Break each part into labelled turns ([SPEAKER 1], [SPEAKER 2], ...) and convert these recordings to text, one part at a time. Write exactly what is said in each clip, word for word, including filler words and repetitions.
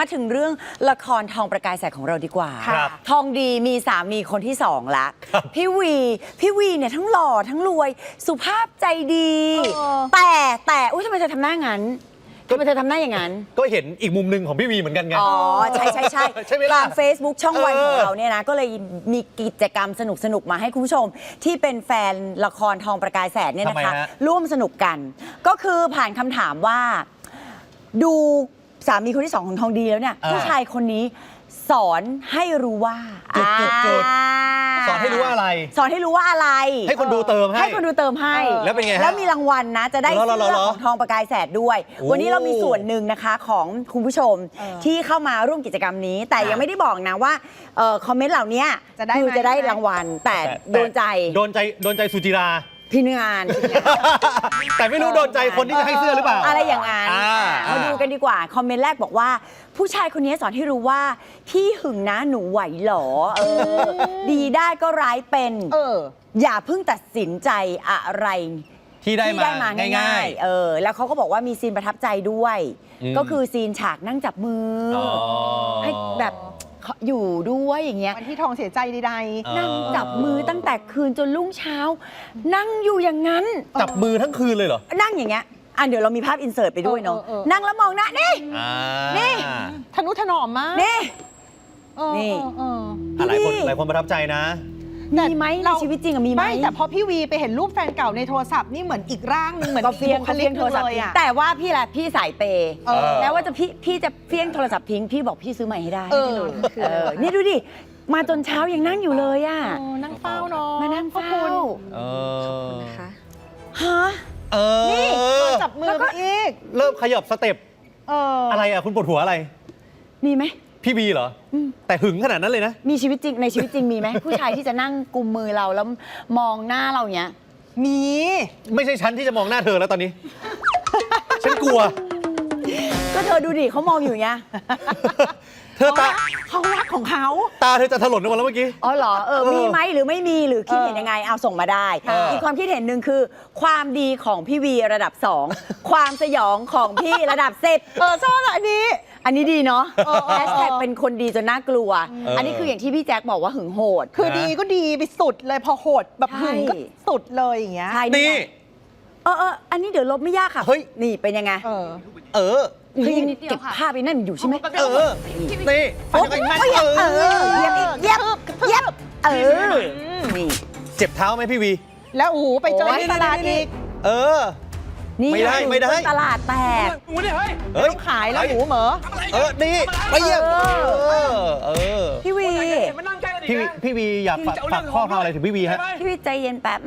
[SPEAKER 1] มาถึงเรื่องละครทองประกายแสงของเราดีกว่าทองดีมีสามีคนที่สองละพี่วีพี่วีเนี่ยทั้งหล่อทั้งรวยสุภาพใจดีแต่แต่อุ้ยทำไมเธอทำหน้างั้นทำไมเธอทำหน้าอย่างนั้น
[SPEAKER 2] ก็เห็นอีกมุมหนึ่งของพี่วีเหมือนกันไง
[SPEAKER 1] อ๋อใช่ใช่ใช่ใช่ทาง Facebook ช่องวันของเราเนี่ยนะก็เลยมีกิจกรรมสนุกสนุกมาให้คุณผู้ชมที่เป็นแฟนละครทองประกายแสงเนี่ยนะคะร่วมสนุกกันก็คือผ่านคำถามว่าดูสามีคนที่สองของทองดีแล้วเนี่ยผู้ชายคนนี้สอนให้รู้ว่า
[SPEAKER 2] จุดจุดจุดสอนให้รู้ว่าอะไร
[SPEAKER 1] สอนให้รู้ว่าอะไร
[SPEAKER 2] ให้คนดูเติมให้
[SPEAKER 1] ให้คนดูเติมให้
[SPEAKER 2] แล้วเป็นไง
[SPEAKER 1] แล้วมีรางวัลนะจะได้เสื้อของทองประกายแสดด้วยวันนี้เรามีส่วนหนึ่งนะคะของคุณผู้ชมที่เข้ามาร่วมกิจกรรมนี้แต่ยังไม่ได้บอกนะว่าคอมเมนต์เหล่านี้คือจะได้รางวัลแต่โดนใจ
[SPEAKER 2] โดนใจโดนใจสุจิรา
[SPEAKER 1] พี่งาน
[SPEAKER 2] แต่ไม่รู้โดนใจคนที่จะให้เสื้อหรือเปล่า
[SPEAKER 1] อะไรอย่างนั้นมาดูกันดีกว่าคอมเมนต์แรกบอกว่าผู้ชายคนนี้สอนให้รู้ว่าที่หึงนะหนูไหวหรอเออดีได้ก็ร้ายเป็นเอออย่าเพิ่งตัดสินใจอะไร
[SPEAKER 2] ที่ได้มาง่าย
[SPEAKER 1] ๆเออแล้วเขาก็บอกว่ามีซีนประทับใจด้วยก็คือซีนฉากนั่งจับมือให้แบบอยู่ด้วยอย่างเงี้ย
[SPEAKER 3] วันที่ทองเสียใจใด
[SPEAKER 1] ๆนั่งจับมือตั้งแต่คืนจนรุ่งเช้านั่งอยู่อย่างนั้น
[SPEAKER 2] จับมือทั้งคืนเลยเหรอ
[SPEAKER 1] นั่งอย่างเงี้ยอ่ะเดี๋ยวเรามีภาพอินเสิร์ตไปด้วยเนาะนั่งแล้วมองหน้านี่นี่
[SPEAKER 3] ทนุถนอมมาก
[SPEAKER 1] นี่นี่
[SPEAKER 2] หลายคนหลายคนประทับใจนะ
[SPEAKER 1] มีไหมในชีวิตจริงอะมีไหม
[SPEAKER 3] ไม่แต่พอพี่วีไปเห็นรูปแฟนเก่าในโทรศัพท์นี่เหมือนอีกร่างนึงเหมือน
[SPEAKER 1] ก็เฟี้ยงเขาเฟี้ยงโทรศัพท์แต่ว่าพี่แหละพี่สายเปย์แม้ว่าจะพี่พี่จะเฟี้ยงโทรศัพท์ทิ้งพี่บอกพี่ซื้อใหม่ให้ได้นี่ดูดิมาจนเช้ายังนั่งอยู่เลยอ่ะ
[SPEAKER 3] นั่งเฝ้าเนาะ
[SPEAKER 1] มานั่งเฝ้า
[SPEAKER 2] เออ
[SPEAKER 1] นะคะฮะ
[SPEAKER 2] เออ
[SPEAKER 3] นี่จับมืออีก
[SPEAKER 2] เริ่มขยับสเต็ปอะไรอ่ะคุณปวดหัวอะไร
[SPEAKER 1] มีไหม
[SPEAKER 2] พี่บีเหรอแต่หึงขนาดนั้นเลยนะ
[SPEAKER 1] มีชีวิตจริงในชีวิตจริงมีไหมผู้ชายที่จะนั่งกุมมือเราแล้วมองหน้าเราเนี้ย
[SPEAKER 3] มี
[SPEAKER 2] ไม่ใช่ฉันที่จะมองหน้าเธอแล้วตอนนี้ฉันกลัว
[SPEAKER 1] ก็เธอดูดิเขามองอยู่เนี้ย
[SPEAKER 2] เธอตา
[SPEAKER 3] เขารักของเขา
[SPEAKER 2] ตาเธอจะถลนออกมาแล้วเมื่อกี้
[SPEAKER 1] อ๋อเหรอเออมีไหมหรือไม่มีหรือคิดเห็นยังไงเอาส่งมาได้อีกความคิดเห็นหนึ่งคือความดีของพี่วีระดับสองความสยองของพี่ระดับสิบ
[SPEAKER 3] เออชอบอันนี้
[SPEAKER 1] อันนี้ดีเนาะแฮชแท็กเป็นคนดีจนน่ากลัวอันนี้คืออย่างที่พี่แจ็คบอกว่าหึงโหด
[SPEAKER 3] คือดีก็ดีไปสุดเลยพอโหดแบบหึงก็สุดเลยอย่างเงี้ย
[SPEAKER 2] นี่
[SPEAKER 1] เออเอออันนี้เดี๋ยวลบไม่ยากค่ะเฮ้ยนี่เป็นยังไงเออ
[SPEAKER 2] เออ
[SPEAKER 1] คือยังเก็บภาพไปนั่นอยู่ใช่ไหม
[SPEAKER 2] เออนี่
[SPEAKER 1] โอ้ยเออเย็บเย็บเย็บเออนี่
[SPEAKER 2] เจ็บเท้าไหมพี่วี
[SPEAKER 3] แล้วโอ้โหไปเจอที่ตลาดอีก
[SPEAKER 2] เออ
[SPEAKER 1] นี่
[SPEAKER 2] ไม่ได้ไม่ได้
[SPEAKER 1] ตลาดแตก
[SPEAKER 3] เฮ้ยขายแล้วหมูเหมอ
[SPEAKER 2] เออนี่ไปเยี่ยมเออ
[SPEAKER 1] พี่วี
[SPEAKER 2] พี่พี่วีอยากฝากข้อความอะไรถึงพี่วีฮะ
[SPEAKER 1] พี่วีใจเย็นแป๊บ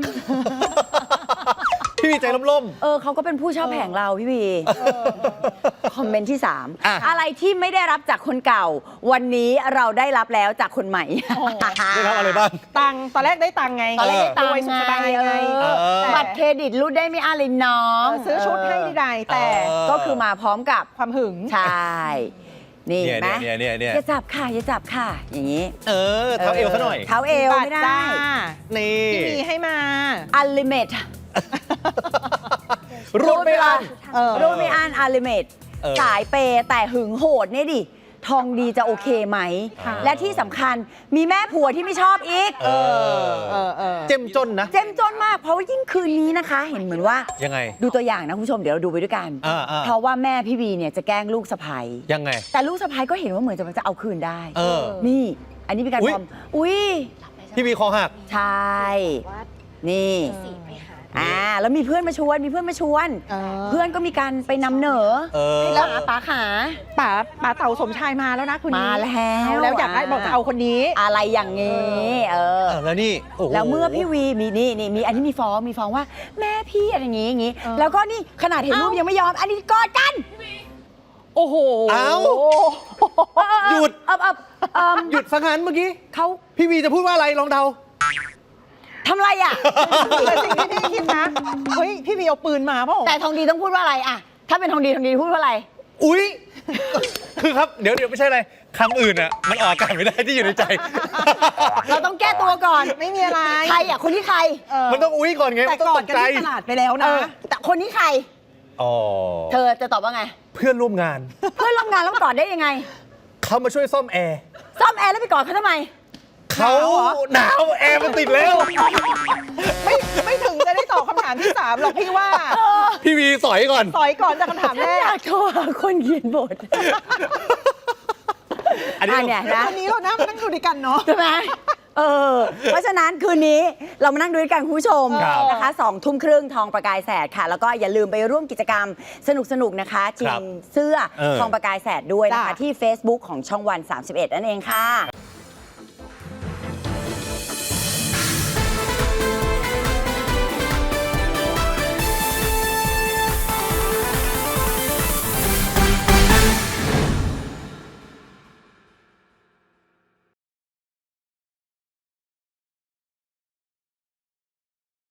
[SPEAKER 2] พี่วีใจล่ม
[SPEAKER 1] ๆเออเขาก็เป็นผู้เช่าแผงเราพี่วีคอมเมนต์ที่สามอะไรที่ไม่ได้รับจากคนเก่าวันนี้เราได้รับแล้วจากคนใหม่
[SPEAKER 2] ได้รับอะไรบ้าง
[SPEAKER 3] ตังตอนแรกได้ตังไง
[SPEAKER 1] ตอนแรกได้ตังไงบัตรเครดิตรูดได้ไม่อะไรน้อง
[SPEAKER 3] ซื้อชุดให้ใดแต่
[SPEAKER 1] ก็คือมาพร้อมกับ
[SPEAKER 3] ความหึง
[SPEAKER 1] ใช่นี่ไหม
[SPEAKER 2] เนี่ยเนี่ยเนี่ย
[SPEAKER 1] อย่าจับค่ะอย่าจับค่ะอย่างนี้
[SPEAKER 2] เออเท้าเอวซะหน่อย
[SPEAKER 1] เท้าเอวไม่ได้
[SPEAKER 2] นี่
[SPEAKER 3] ที่มีให้มา
[SPEAKER 1] อัลลิเมต
[SPEAKER 2] รูดไม่อัน
[SPEAKER 1] รูดไม่อันอัลลิเมตสายเปแต่หึงโหดเนี่ยดิทองดีจะโอเคไหมและที่สำคัญมีแม่ผัวที่ไม่ชอบอีก
[SPEAKER 2] เจ้มจนนะ
[SPEAKER 1] เจ้มจนมากเพราะว่ายิ่งคืนนี้นะคะเห็นเหมือนว่า
[SPEAKER 2] ยังไง
[SPEAKER 1] ดูตัวอย่างนะคุณผู้ชมเดี๋ยวเราดูไปด้วยกันเพราะว่าแม่พี่วีเนี่ยจะแกล้งลูกสะใภ้
[SPEAKER 2] ยังไง
[SPEAKER 1] แต่ลูกสะใภ้ก็เห็นว่าเหมือนจะจะเอาคืนได้นี่อันนี้เป็นการทำอุ้ย
[SPEAKER 2] พี่วีคอหัก
[SPEAKER 1] ใช่นี่อ่าแล้วมีเพื่อนมาชวนมีเพื่อนมาชวนเพื่อนก็มีการไปนำเหนอแล้วป๋าขา
[SPEAKER 3] ป๋าป๋าเต่าสมชายมาแล้วนะคุณ
[SPEAKER 1] มาแล้ว
[SPEAKER 3] แล้วอยากได้บอกจะเอาคนนี้
[SPEAKER 1] อะไรอย่างนี้เออ
[SPEAKER 2] แล้วนี่
[SPEAKER 1] แล้วเมื่อพี่วีมีนี่นี่มีอันนี้มีฟ้องมีฟ้องว่าแม่พี่อะไรอย่างงี้อย่างงี้แล้วก็นี่ขนาดเห็นรูปยังไม่ยอมอันนี้กอดกัน
[SPEAKER 3] โอ้โห
[SPEAKER 2] เอาหยุดหยุดสังหารเมื่อกี้
[SPEAKER 1] เขา
[SPEAKER 2] พี่วีจะพูดว่าอะไรลองเดา
[SPEAKER 1] ทำไรอ่ะ
[SPEAKER 3] แต่สิ่งที่พี่คิดนะเฮ้ยพี่วีเอาปืนมาเปล่า
[SPEAKER 1] แต่ทองดีต้องพูดว่าอะไรอ่ะถ้าเป็นทองดีทองดีพูดว่าอะไร
[SPEAKER 2] อุ้ยคือครับเดี๋ยวเดี๋ยวไม่ใช่อะไรคำอื่นอ่ะมันออกอากาศไม่ได้ที่อยู่ในใจ
[SPEAKER 1] เราต้องแก้ตัวก่อน
[SPEAKER 3] ไม่มีอะไร
[SPEAKER 1] ใครอ่ะคนที่ใคร
[SPEAKER 2] มันต้องอุ้ยก่อนไง
[SPEAKER 3] แต่ก่อนกันที่ตลาดไปแล้วนะ
[SPEAKER 1] แต่คนนี้ใคร
[SPEAKER 2] อ๋อ
[SPEAKER 1] เธอจะตอบว่าไง
[SPEAKER 2] เพื่อนร่วมงาน
[SPEAKER 1] เพื่อนร่วมงานแล้วกอดได้ยังไง
[SPEAKER 2] เขามาช่วยซ่อมแอร์
[SPEAKER 1] ซ่อมแอร์แล้วไปกอดเขาทำไม
[SPEAKER 2] เขาหนาวแอร์มันติดแล้ว
[SPEAKER 3] ไม่ไม่ถึงจะได้ตอบคำถามที่สามหรอกพี่ว่า
[SPEAKER 2] พี่วีสอยก่อน
[SPEAKER 3] สอยก่อนจากคำถาม
[SPEAKER 1] ฉั
[SPEAKER 3] แร
[SPEAKER 1] นอก ยากโทรหาคนเขียนบท
[SPEAKER 2] อันนี้
[SPEAKER 1] อ่ะเนี่ยนะ
[SPEAKER 3] วันนี้เรานั่งนั่งดูด้วยกันเนาะ
[SPEAKER 1] ใช่ไหมเออ เพราะฉะนั้นคืนนี้เรามานั่งดูด้วยกันคุณผู้ชม
[SPEAKER 2] ครับ
[SPEAKER 1] นะคะสองทุ่มครึ่งทองประกายแสดค่ะ แล้วก็อย่าลืมไปร่วมกิจกรรมสนุกๆนะคะชิ
[SPEAKER 2] ครั
[SPEAKER 1] ง
[SPEAKER 2] บ
[SPEAKER 1] เสื้อ
[SPEAKER 2] เออ
[SPEAKER 1] ทองประกายแสดด้วยนะคะ
[SPEAKER 3] จ้ะ
[SPEAKER 1] ที่ Facebook ของช่องวัน สามสิบเอ็ดนั่นเองค่ะ